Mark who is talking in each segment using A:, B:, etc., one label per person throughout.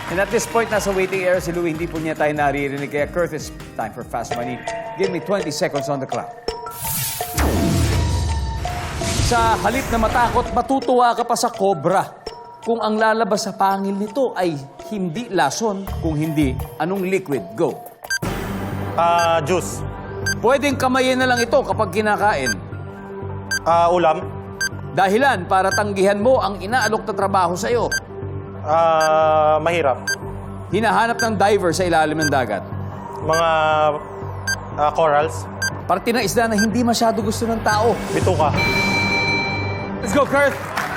A: And at this point, nasa waiting area si Louie. Hindi po niya tayo naririnig. Kaya Curtis, time for fast money. Give me 20 seconds on the clock. Sa halip na matakot, matutuwa ka pa sa cobra. Kung ang lalabas sa pangil nito ay hindi lason, kung hindi, anong liquid? Go.
B: Juice.
A: Pwedeng kamayin na lang ito kapag kinakain.
B: Ulam.
A: Dahilan para tanggihan mo ang inaalok na trabaho sa'yo.
B: Mahirap.
A: Hinahanap ng diver sa ilalim ng dagat.
B: Mga corals.
A: Parte ng isda na hindi masyado gusto ng tao.
B: Bituka.
A: Let's go, Kurt!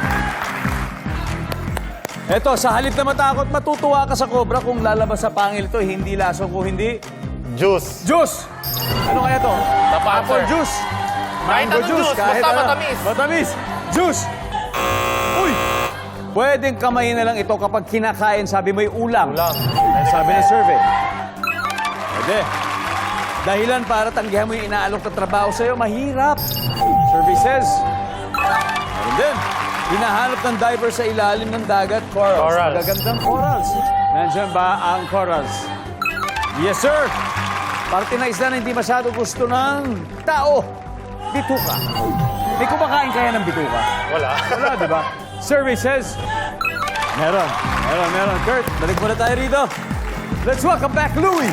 A: Eto, sa halip na matakot, matutuwa ka sa cobra kung lalabas sa pangil ito. Hindi lason kung hindi.
B: Juice.
A: Juice! Ano kaya to? Apple juice.
C: Kahit
A: Mango
C: anong juice,
A: kahit
C: basta
A: ano.
C: matamis.
A: Matamis. Juice! Uy! Pwedeng kamayin na lang ito kapag kinakain, sabi mo yung ulam.
B: Ulam.
A: Sabi ng survey. Pwede. Dahilan para tanggihan mo yung inaalok na trabaho sa'yo, mahirap. Survey says. Meron din. Hinahanap ng diver sa ilalim ng dagat, corals.
B: Corals.
A: Magagandang corals. Nandiyan ba ang corals? Yes, sir. Parte na isda na hindi masyado gusto ng tao. Bituka. May kumakain kaya ng bituka?
B: Wala.
A: Wala, di ba? Survey says, meron. Kurt, balik muna tayo rito. Let's welcome back Louie.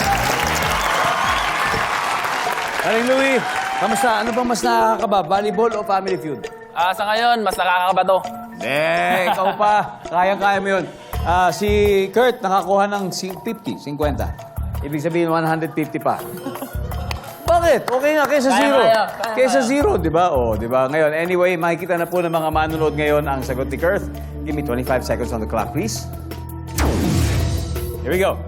A: Aling Louie, kamusta? Ano bang mas nakakaba? Volleyball o Family Feud?
C: Sa ngayon, mas nakakakaba to.
A: Ikaw pa. Kayang-kaya mo yun. Si Kurt, nakakuha ng 50. Ibig sabihin, 150 pa. Bakit? Okay nga, kaysa zero.
C: Kaya.
A: Kaysa zero, di ba? O, di ba? Ngayon, anyway, makikita na po ng mga manunood ngayon ang sagot ni Kurt. Give me 25 seconds on the clock, please. Here we go.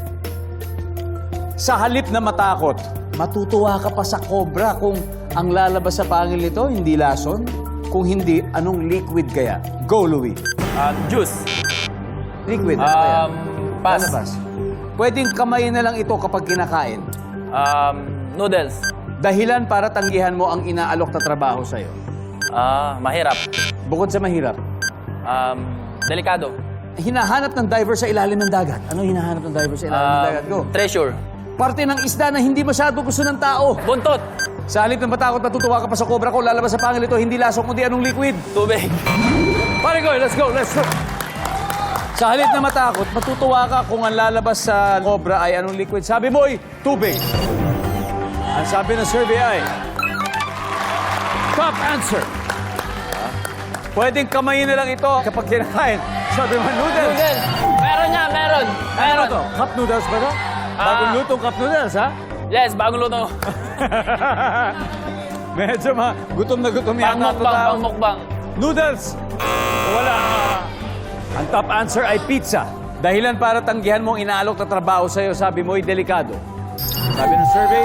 A: Sa halip na matakot, matutuwa ka pa sa cobra kung ang lalabas sa pangil nito, hindi lason. Kung hindi, anong liquid kaya? Go, Louie.
C: Juice.
A: Liquid, ano kaya?
C: Pass.
A: Lalabas. Pwedeng kamayin na lang ito kapag kinakain.
C: Noodles.
A: Dahilan para tanggihan mo ang inaalok na trabaho sa'yo.
C: Mahirap.
A: Bukod sa mahirap,
C: Delikado.
A: hinahanap ng diver sa ilalim ng dagat. Ano hinahanap ng diver sa ilalim ng dagat? Go.
C: Treasure.
A: Parte ng isda na hindi masyado gusto ng tao.
C: Buntot.
A: Sa halip ng matakot, matutuwa ka pa sa cobra ko. Lalabas sa pangil ito, hindi lasong kundi anong liquid.
C: Tubig.
A: Pare ko, let's go. Sa halip na matakot, matutuwa ka kung ang lalabas sa cobra ay anong liquid. Sabi mo ay tubig. Ang sabi ng survey ay top answer. Pwedeng kamayin na lang ito kapag kinakain. Sabi mo, noodles.
C: Noodles. Meron niya, meron.
A: Ano to? Cup noodles ba to? Bagong lutong cup noodles, ha?
C: Yes, bagong luto.
A: Medyo gutom na gutom yata.
C: Pangmukbang.
A: Noodles. Wala. Ang top answer ay pizza. Dahilan para tanggihan mo ang inaalok na trabaho sa'yo, sabi mo ay delikado. Sabi ng survey,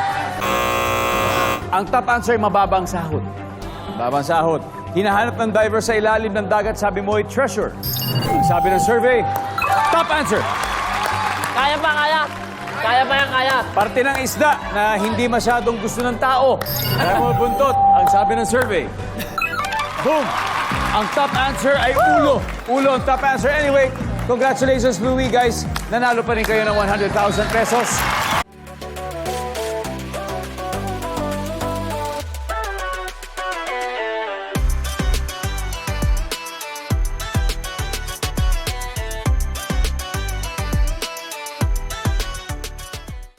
A: ang top answer ay mababang sahod. Mababang sahod. Hinahanap ng diver sa ilalim ng dagat, sabi mo ay treasure. Ang sabi ng survey, top answer.
C: Kaya pa, kaya. Kaya pa yan, kaya.
A: Parte ng isda na hindi masyadong gusto ng tao. Kaya mo buntot. Ang sabi ng survey. Boom! Ang top answer ay ulo. Ulo ang top answer. Anyway, congratulations, Louie, guys. Nanalo pa rin kayo ng 100,000 pesos.